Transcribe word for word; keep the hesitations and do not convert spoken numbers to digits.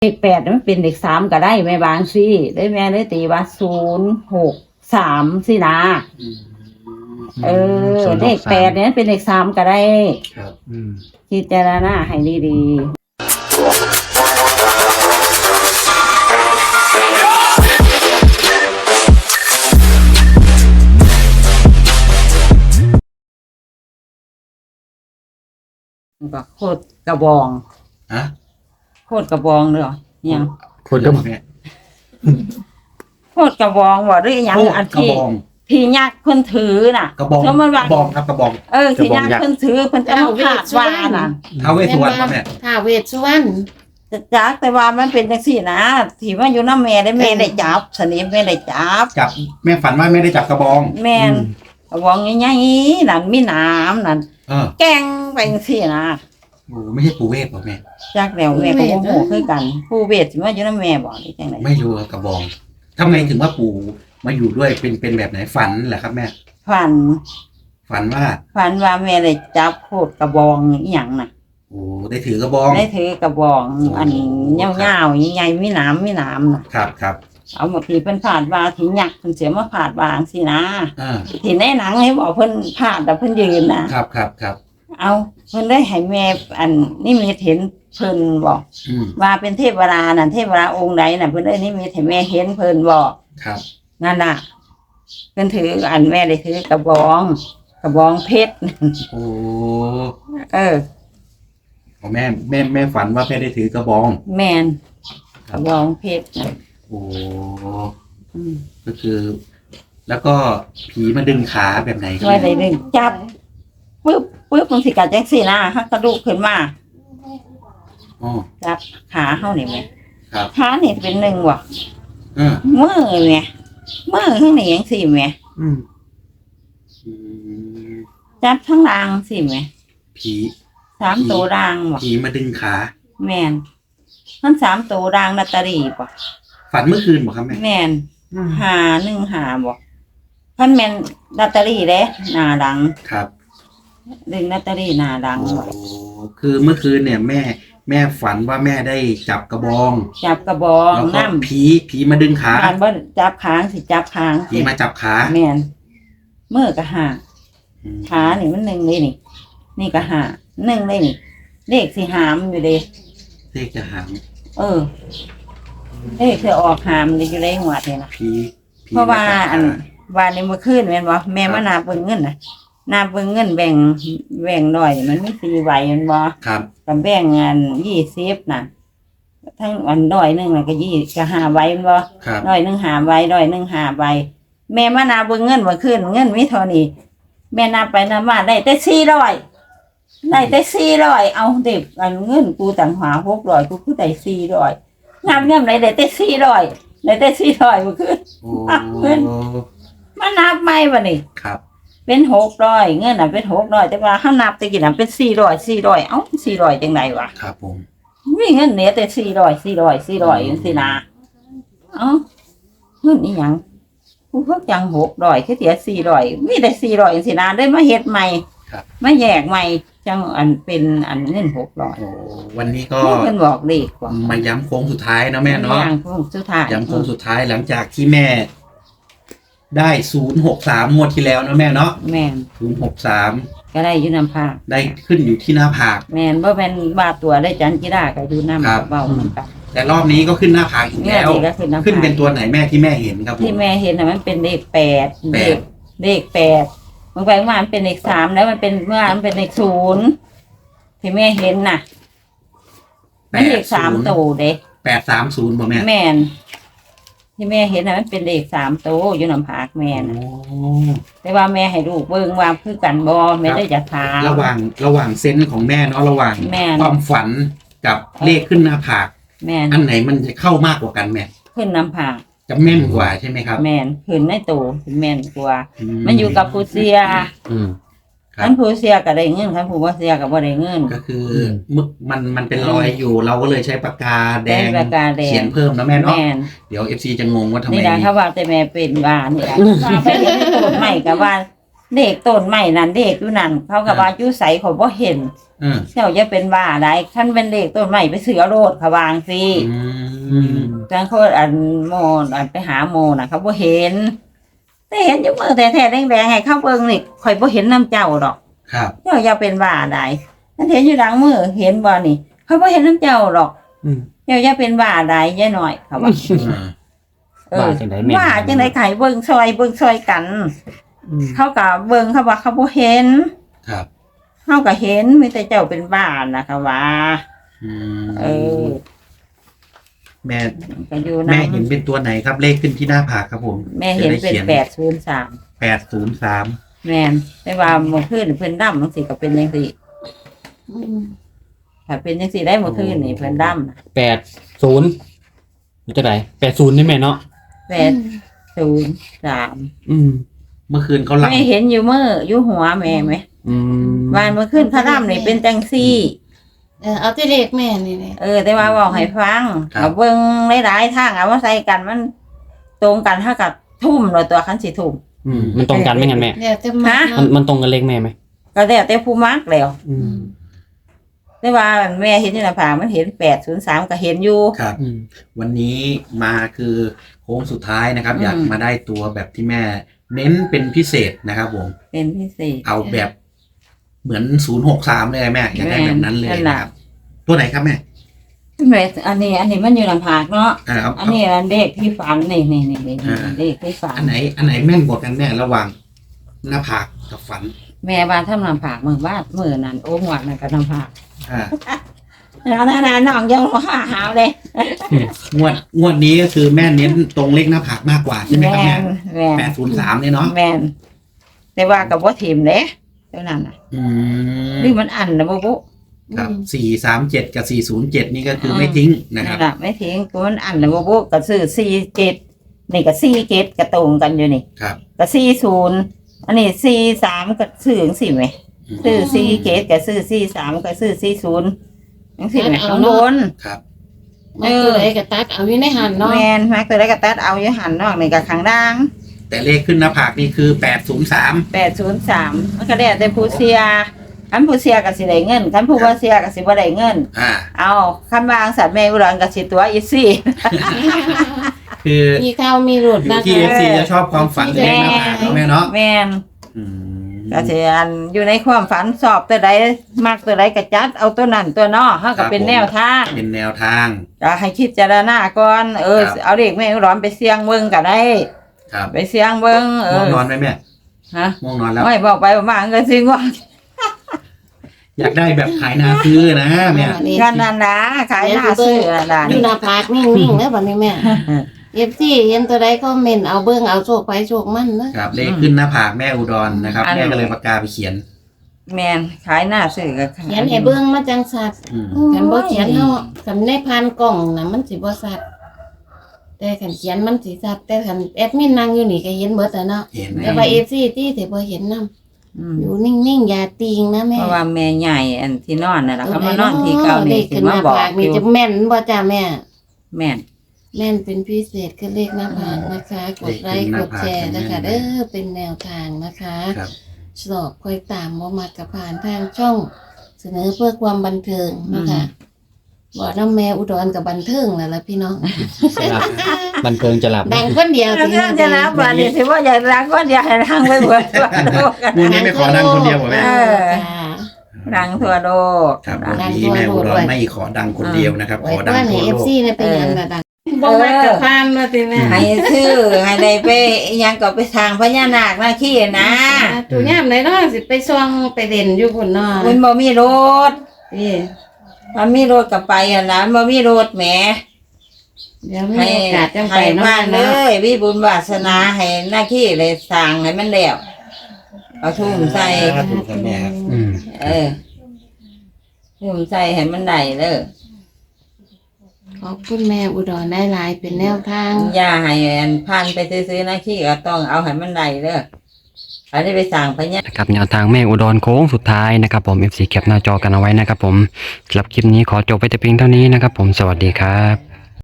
เลขแปดมันเป็นเลขสามก็ได้แม่บางสิได้แม่ได้ตีว่าศูนย์หกสามสินะเออเลขแปดเนี่ยเป็นเลขสามก็ได้ครับพิจารณาให้ดีๆก็โคตรกระบองอะโคตรกระบองเลยเหรอยังโคตรกระบองเนี่ยโคตรกระบองว่าหรือยังอันที่ที่ยักษ์เพิ่นถือน่ะกระบองกระบองครับกระบองเออที่ยักษ์เพิ่นถือเพิ่นจะมาพาดว่าน่ะท้าวเวสสุวรรณเนี่ยท้าวเวสสุวรรณจักแต่ว่ามันเป็นจังซี่นะที่ว่าอยู่นำแม่ได้แม่ได้จับสนิทแม่ได้จับจับแม่ฝันว่าแม่ได้จับกระบองแม่นกระบองใหญ่ๆนั่นมีน้ำนั่นเออแกงไปจังซี่นะโอ้ไม่ใช่ปู่เวทหรอแม่จักแล้วแม่ก็บ่ฮู้คือกันปู่เวทสิมาอยู่นำแม่บ่หรือจังได๋ไม่รู้กระบองทำไมถึงว่าปู่มาอยู่ด้วยเป็นเป็นแบบไหนฝันเหรอครับแม่ฝันฝันว่าฝันว่าแม่ได้จับโคตรกระบองอีหยังน่ะโอ้ได้ถือกระบองได้ถือกระบองอันยาวๆใหญ่ๆมีน้ำมีน้ำน่ะครับครับเอาหมดที่เพิ่นพาดว่าที่ยักษ์เพิ่นเสียมาพาดว่าจังซี่นะอ่าที่ในหนังให้บอกเพิ่นพาดแต่เพิ่นยืนนะครับครับครับเอาเพิ่นได้ให้แม่อันนี่มีเห็นเพิ่นบอกว่าเป็นเทพวราน่ะเทพวราองค์ใดน่ะเพิ่นได้นี่มีให้แม่เห็นเพิ่นบอกครับนั่นน่ะเพิ่นถืออันแม่ได้ถือกระบองกระบองเพชรโอ้เออแม่แม่แม่ฝันว่าแม่ได้ถือกระบองแม่นกระบองเพชรโอ้ก็คือแล้วก็ผีมาดึงขาแบบไหนก็ได้ดึงจับปึ๊บปึ๊บมันสิกัดจังซี่นะฮักกระดูกขึ้นมาอ๋อจับขาเฮานี่แม่ครับขานี่เป็นหนึ่งว่ะเออมือแม่มือข้างนี้จังซี่แม่อืมจับทั้งรางสิแม่ผีสามตัวรางว่ะผีมาดึงขาแม่นทั้งสามตัวรางลอตเตอรี่ป่ะฝันเมื่อคืนบ่ครับแม่แม่นหาหนึ่งหาบ่พันแม่นลอตเตอรี่เด้หน้าดังครับดึงลอตเตอรี่หน้าดังโอ้คือเมื่อคืนเนี่ยแม่แม่ฝันว่าแม่ได้จับกระบองจับกระบองน้ำผีผีมาดึงขาการบ่จับค้างสิจับค้างผีมาจับขาแม่นมือก็หาขานี่มันหนึ่งเลยนี่นี่ก็หาหนึ่งเลยนี่เลขสิหามอยู่เด้เลขจะหามเออเลขจะออกหามอยู่ในหัวนี่นะผีเพราะว่าอันว่าในเมื่อคืนแม่นบ่แม่มานาเบิ่งเงินน่ะนาเบิ่งเงินแบ่งแบ่งหน่อยมันมีสี่ใบแม่นบ่ครับกับแบ่งอันยี่สิบน่ะทั้งอันร้อยนึงน่ะก็ยี่ก็ห้าใบแม่นบ่ร้อยนึงห้าใบร้อยนึงห้าใบแม่มานาเบิ่งเงินเมื่อคืนเงินมีเท่านี้แม่นับไปนับมาได้แต่สี่ร้อยได้แต่สี่ร้อยเอาเด็กอันเงินกูต่างหาหกร้อยกูคือได้สี่ร้อยนับเงินได้ได้แต่สี่ร้อยได้แต่สี่ร้อยเมื่อคืนเงินมานับไม่บ่นี่ครับเป็นหกร้อยเงินน่ะเป็นหกร้อยแต่ว่าเฮานับตะกี้น่ะเป็นสี่ร้อยสี่ร้อยเอ้าสี่ร้อยจังได๋วะครับผมมีเงินเหลือแต่สี่ร้อยสี่ร้อยสี่ร้อยจังซี่นะเอ้าเงินอีหยังกูเพิ่งจังหกร้อยคือเสียสี่ร้อยมีแต่สี่ร้อยจังซี่นะได้มาเฮ็ดใหม่มาแยกใหม่จังอันเป็นอันเงินหกร้อยโอ้วันนี้ก็เพิ่นบอกเลขกว่ามาย้ำโค้งสุดท้ายนะแม่เนาะย้ำโค้งสุดท้ายย้ำโค้งสุดท้ายหลังจากที่แม่ได้ศูนย์หกสามงวดที่แล้วนะแม่เนาะแม่นศูนย์หกสามก็ได้อยู่น้ำผากได้ขึ้นอยู่ที่หน้าผากแม่นบ่แม่นบาดตัวได้จันจิราก็อยู่น้ำเบาเหมือนกันแต่รอบนี้ก็ขึ้นหน้าผากอีกแล้วขึ้นเป็นตัวไหนแม่ที่แม่เห็นครับที่แม่เห็นน่ะมันเป็นเลขแปดเลขเลขแปดบางไปว่ามันเป็นเลขสามแล้วมันเป็นเมื่อมันเป็นเลขศูนย์ที่แม่เห็นน่ะมันเลขสามตัวเด้แปดสามศูนย์บ่แม่แม่นที่แม่เห็นน่ะมันเป็นเลขสามตัวอยู่น้ำผากแม่น่ะแต่ว่าแม่ให้ลูกเบิ่งว่าคือกันบ่แม่ได้จะถามระหว่างระหว่างเซนส์ของแม่เนาะระหว่างความฝันกับเลขขึ้นหน้าผากแม่อันไหนมันจะเข้ามากกว่ากันแม่ขึ้นน้ำผากจะแม่นกว่าใช่ไหมครับแม่นขึ้นในตัวแม่นกว่ามันอยู่กับผู้เสียคันผู้เสียก็ได้เงินคันผู้บ่เสียก็บ่ได้เงินก็คือมึกมันมันเป็นรอยอยู่เราก็เลยใช้ปากกาแดงเขียนเพิ่มนะแม่เนาะเดี๋ยว เอฟ ซี จะงงว่าทำไมนี่ล่ะเขาว่าแต่แม่เป็นว่านี่ล่ะว่าไปเรียนโทษใหม่ก็ว่าเด็กต้นใหม่นั่นเด็กอยู่นั่นเขาก็ว่าอยู่ไสเขาบ่เห็นอืมเจ้าจะเป็นบ้าได้คันเป็นเด็กต้นใหม่ไปเสือโลดเขาวางสิอืมจังเขาอันโมอันไปหาโมน่ะเขาบ่เห็นแต่เห็นอยู่มือแท้ๆแดงๆให้เขาเบิ่งนี่ข่อยบ่เห็นน้ำเจ้าดอกครับเจ้าอย่าเป็นบ้าได้ฉันเห็นอยู่หลังมือเห็นบ่นี่เขาบ่เห็นน้ำเจ้าดอกอืมเจ้าอย่าเป็นบ้าได้ยายหน่อยเขาว่าอ่าเออว่าจังไดแม่นว่าจังได๋ไข่เบิ่งซอยเบิ่งซอยกันอืมเขาก็เบิ่งเขาว่าเขาบ่เห็นครับเขาก็เห็นมีแต่เจ้าเป็นบ้านะเขาว่าอืมเออแม่ก็อยู่แม่นำเห็นเป็นตัวไหนครับเลขขึ้นที่หน้าผากครับผมแม่เห็นเป็นแปดศูนย์สามแปดศูนย์สามแม่นแต่ว่าเมื่อคืนเพิ่นดำจังซี่ก็เป็นจังซี่ถ้าเป็นจังซี่ได้เมื่อคืนนี่เพิ่นดำน่ะแปดศูนย์มันจะไหนแปดศูนย์นี่แม่เนาะแปดศูนย์สามอืมเมื่อคืนเขาหลับแม่เห็นอยู่มืออยู่หัวแม่ไหมอืมวานเมื่อคืนเขาดำนี่เป็นจังซี่เออเอาที่เด็กแม่นี่แหละเออ แต่ว่าบอกให้ฟังเอาเบิ่งหลายๆทางเอามาใส่กันมัน ตรงกันเท่ากับทุ่มเลยตัวคันสิทุ่มอืมมันตรงกันไหมงั้นแม่เดี๋ยวจะมาฮะมันมันตรงกันเลขแม่ไหมก็แล้วแต่ผู้มักแล้วอืมแต่ว่าแม่เห็นอยู่ในผากมันเห็นแปดศูนย์สามก็เห็นอยู่ครับอืมวันนี้มาคือโค้งสุดท้ายนะครับอืมอยากมาได้ตัวแบบที่แม่ เน้นเป็นพิเศษนะครับผมเป็นพิเศษเอาแบบเหมือนศูนย์หกสามเลยแม่อยากได้แบบนั้นเลยนั่นนะน่ะครับ ตัวไหนครับแม่แม่อันนี้ อันนี้มันอยู่ในผากเนาะอ่าเอาอันเอานี้อันเด็กที่ฝันนี่นี่นี่นี่อ่าเด็กที่ฝันอันไหน อันไหนแม่นกว่ากันแม่ระหว่างหน้าผากกับฝันแม่บ้านทำน้ำผากมือบ้านมือนั่นโอ้หมวดนั่นก็น้ำผากอ่าแล้วนั่นน่ะน้องยังว่าหาวเลยงวดงวดนี้ก็คือแม่เน้นตรงเลขหน้าผากมากกว่าใช่ไหมครับแม่แม่นแม่นแปดศูนย์สามเนี่ยเนาะแม่นแต่ว่ากับว่าทีมเด้เท่านั้นน่ะอืมนี่มันอันนะบุบุครับสี่สามเจ็ดกับสี่ศูนย์เจ็ดนี่ก็คือไม่ทิ้งนะคนั่รับนแหละไม่ทิ้งกูมันอันนะบุบุก็ซื้อสี่เจ็ดนี่ก็สี่เจ็ดก็ตรงกันอยู่นี่ครับก็สี่ศูนย์อันนี้สี่สามก็ซื้อจังสี่ไหมซื้อสี่เจ็ดก็ซื้อสี่สามก็ซื้อสี่ศูนย์จังสี่ไหมข้างบนครับมาตัวไหนก็ตัดเอาอยู่ในหันเนาะแมนมักตัวได้กระตัดเอาอยู่หันนอกนี่กับข้างล่างแต่เลขขึ้นหน้าผากนี่คือแปดศูนย์สามแปดศูนย์สามมันก็ได้แต่ผู้เสียคันผู้เสียก็สิได้เงินคันผู้บ่เสียก็สิบ่ได้เงินอ่าเอาคันวางสัตว์แม่อุดรก็สิตัวอีซี่คือมีข้าวมีหลุดอยู่นะที่คะเอฟซีจะชอบความฝันเลขหน้าผากเนาะแม่เนาะแม่นอืมก็สิอันอยู่ในความฝันสอบตัวใดมักตัวใดก็จัดเอาตัวนั้นตัวนอเฮาก็เป็นแนวทางเป็นแนวทางก็ให้คิดจารณาก่อนเออครับเอาเด็กแม่อุดรไปเสี่ยงเบิ่งก็ได้ครับไปเสี่ยงเบิ่งเอง่วงอนอนไหมแม่ฮะง่วงนอนแล้วไม่บอกไปว่ามาก็สิง่วงอยากได้แบบขายนาซื้อนะแม่กันนั่นนะขายหน้าซื้อนั่นน่ะอยู่หน้าผากนิ่งๆแล้วบัดนี้แม่เอฟซีเห็นตัวใดก็เมนเอาเบิ่งเอาโชคไปโชคมันนะครับเลขขึ้นหน้าผากแม่อุดรนะครับอันแม่ก็เลยปากกาไปเขียนแม่นขายหน้าซื้อก็ขายเขียนให้เบิ่งมาจังสัตว์อืมคันบ่เขียนเนาะคันในพานกล่องน่ะมันสิบ่สัตว์แต่คันเขียนมันสิสัตว์แต่คันแอดมินนั่งอยู่นี่ก็เห็นเบิดแล้วเนาะเห็นแต่ว่า เอฟ ซี ที่สิบ่เห็นนำอืมอยู่นิ่งๆอย่าติงนะแม่เพราะว่าแม่ใหญ่อันที่นอนน่ะล่ะเขามานอนที่เก่านี่สิขึ้นมามาบอกผากอนี่ยู่จะแม่นบ่จ้าแม่แม่นแม่นเป็นพิเศษคือเลขหน้าผากนะคะ กดไลค์กดแชร์นะคะเด้อเป็นแนวทางนะคะครับสอบค่อยตามบ่มากับผ่านทางช่อง เสนอเพื่อความบันเทิงนะคะบ่น้ำแม่อุดรกับบันเทิงแล้วล่ะพี่น้องจะหลับบันเทิงจะหลับดังคนเดียวแล้วก็จะรับบัดนี้สิว่าอยากรักก็อยากให้รังไปเบิดทั่วโลกกันวันนี้ไม่ขอนั่งคนเดียวเหรอแม่เออค่ะรังทั่วโลกครับวันนี้แม่อุดรไม่ขอดังคนเดียวนะครับไว้ขอดังว่าในทั่วเอโลฟกซีเนี่ยเป็นยังระดังบ่มากับพานว่าติแม่ให้ซื้อให้ได้ไปอิหยังก็ไปทางพญานาคนาคีนะตัวยามไหนเนาะสิไปซ่องไปเด่นอยู่พุ่นเนาะมันบ่มีรถนี่มันมีรถก็ไปอ่ะนะมันบ่มีรถแหมเดี๋ยวมีให้โอกาสจังไปให้เนาะมาเลเนาะยวิบุญวาสนาให้หน้าที่เลยสร้างให้มันแล้วเอาทุ่มใส่ถูกครับแม่ครับอืมเออทุ่มใส่ให้มันได้เด้อขอบคุณแม่อุดรได้หลายเป็นแนวทางอย่าให้อันพันไปซื้อๆหน้าที่ก็ต้องเอาให้มันได้เด้ออันนี้ไปสร้างพญานะครับแนวทางแม่อุดรโค้งสุดท้ายนะครับผม เอฟ ซี แคปหน้าจอกันเอาไว้นะครับผมสำหรับคลิปนี้ขอจบไปแต่เพียงเท่านี้นะครับผมสวัสดีครับ